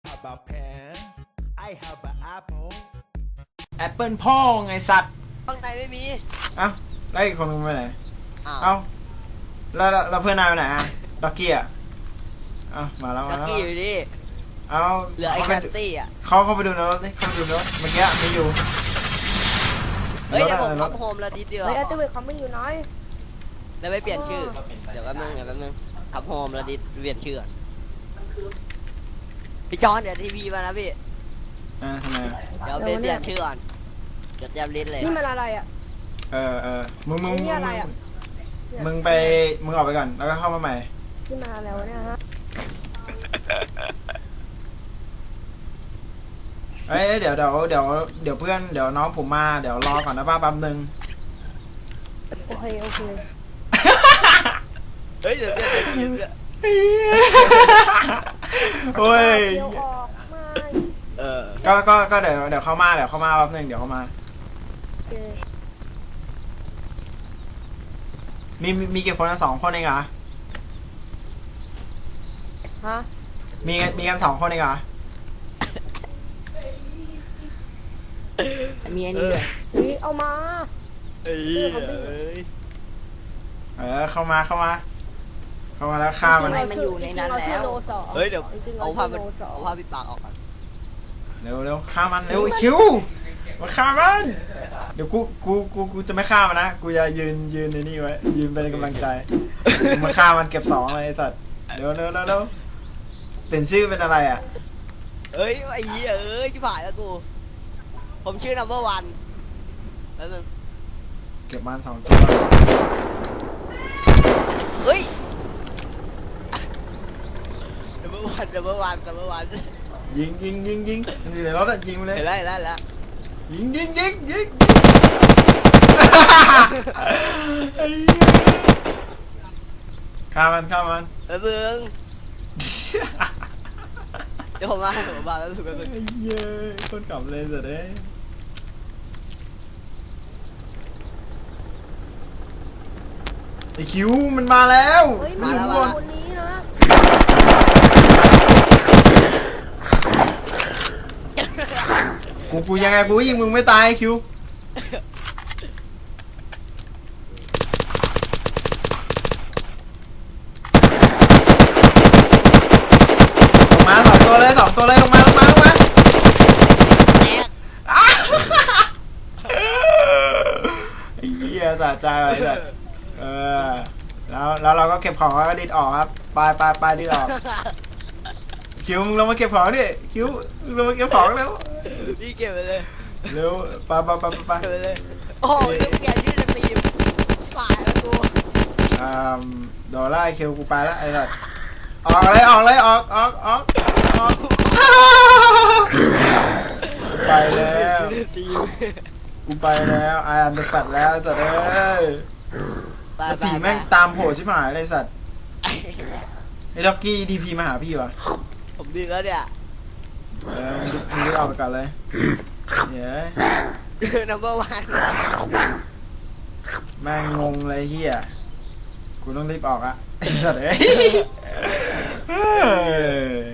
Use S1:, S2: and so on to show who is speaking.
S1: about pen I have an apple
S2: แอปเปิลพ่อไงสัตว์
S3: ข้างในไม่มี
S2: เอ้าแล้วอีกคนนึงไปไหน
S3: อ้าว
S2: เอ้าแล้วเพื่อนนายไปไหนอะด็อกกี้อะเอ้ามาแล้ว
S3: ลั
S2: มาก แล้ว
S3: กี้อยู่ดิ
S2: เอ้า
S3: เหลือไอ้แคตตี้อ่ะ
S2: เขาไปดูในรถดิเขาไปดูในรถเมื่อกี้มีอยู่
S3: เฮ้ยเดี๋ยวผม
S2: ในร
S3: ทั
S2: ถ
S3: บโฮมแล้วดีเดียว
S4: เฮ้ยอัลติเมทคอมมิ่งอยู่น้อย
S3: แล้วไม่เปลี่ยนชื่อ เดี๋ยวแป๊บนึงทับโฮมแล้วดิเปลี่ยนชื่อก่อนพี่จอนเดี๋ยวทีพีมานะพี่
S2: ทำไมอะ
S3: เดี๋ยวเปลี่ยนชื่อก่อนเดี๋ยวเตรียมลิ้นเลย
S4: นี่มันอะไรอ่ะ
S2: มึง
S4: นี่อะไรอะ
S2: มึงออกไปก่อนแล้วก็เข้ามาใหม่
S4: นี่มันอะไรวะเนี่ยฮะ
S2: เอ้ยเดี๋ยวเพื่อนเดี๋ยวน้องผมมาเดี๋ยวรอก่อนนะป้าแป๊บนึง
S4: โอเค
S3: เฮ้ยเดี๋ยวเปลี่ยนชื่อ
S2: โอ้ย
S4: เดี๋ยวออกมา
S3: เออ
S2: ก็เดี๋ยวเข้ามาแป๊บนึงเดี๋ยวเข้ามา
S4: โอเค
S2: มีกี่คนนะ2 คนเองเหรอ
S4: ฮะ
S2: มีกัน2 คนเองเหรอ
S4: มีอันนี้ด้วยนี่เอามา
S3: เอ้ย
S2: เข้ามาแล้วฆ่ามัน
S4: จริงๆมันอยู่ในนั้นแล้ว
S3: เฮ้ยเดี๋ยว
S4: จริงๆ
S3: เอาผ้า
S4: โลสอง
S3: เอาผ้าปิดปากออกก่อน
S2: เร็วฆ่ามันเร็วคิวมาฆ่ามันเดี๋ยวกูจะไม่ฆ่ามันนะกูจะยืนในนี่ไว้ยืนเป็นกำลังใจมาฆ่ามันเก็บ2เลยไอ้สัตว์เร็วเป็นชื่อเป็นอะไรอ่ะ
S3: เอ้ยไอ้เหี้ยเอ้ยชิบหายแล้วกูผมชื่อ number one แป๊บนึง
S2: เก็บมัน2 ตัว
S3: เฮ้ย number one
S2: ยิงมันอยู่ในรถอะยิงมันเลย
S3: เห็นแล้ว
S2: ยิงไอ้เหี้ยฆ่ามัน
S3: แป๊บนึงเดี๋ยวผมมาแป๊บนึง
S2: ไอ้เหี้ยคนขับเลยสุดเลยไอ้คิวมันมาแล้ว
S4: เฮ้ย
S2: มันอยู่
S4: มา
S2: ข้างบน
S4: คนนี้นะ
S2: กูยังไงกูยิงมึงไม่ตายไอ้คิวลงมา2 ตัวเลยลงมา
S3: แอ๊ก
S2: ไอ้เหี้ยสะใจไปเลยแล้วเราก็เก็บของแล้วก็ดิดออกครับไปดิดออกคิวมึงลงมาเก็บของดิคิวมึงลงมาเก็บของเร็ว
S3: พี่เก็บไปเลย
S2: เร็วไป
S3: เก็บไปเลยโอ้โหเรื่องแกชื่อสตรีมชิบหายแล้วกู
S2: โดนไล่คิวกูไปแล้วไอ้สัสออกเลยออกไปแล้ว
S3: สตรีม
S2: กูไปแล้วไอ้อันเป็นสัตว์แล้วสัตว์เอ้ย
S3: ไป
S2: แล้วผีแม่งตามโผล่ชิบหายเลยสัตว์ไอ้ด็อกกี้ดีพีมาหาพี่วะ
S3: ผมดีแล้วเนี่ย
S2: มึงรีบออกไปก่อนเลยเย้ย
S3: number one
S2: แม่งงงเลยเฮียกูต้องรีบออกอะไอ้สัตว์เอ้ย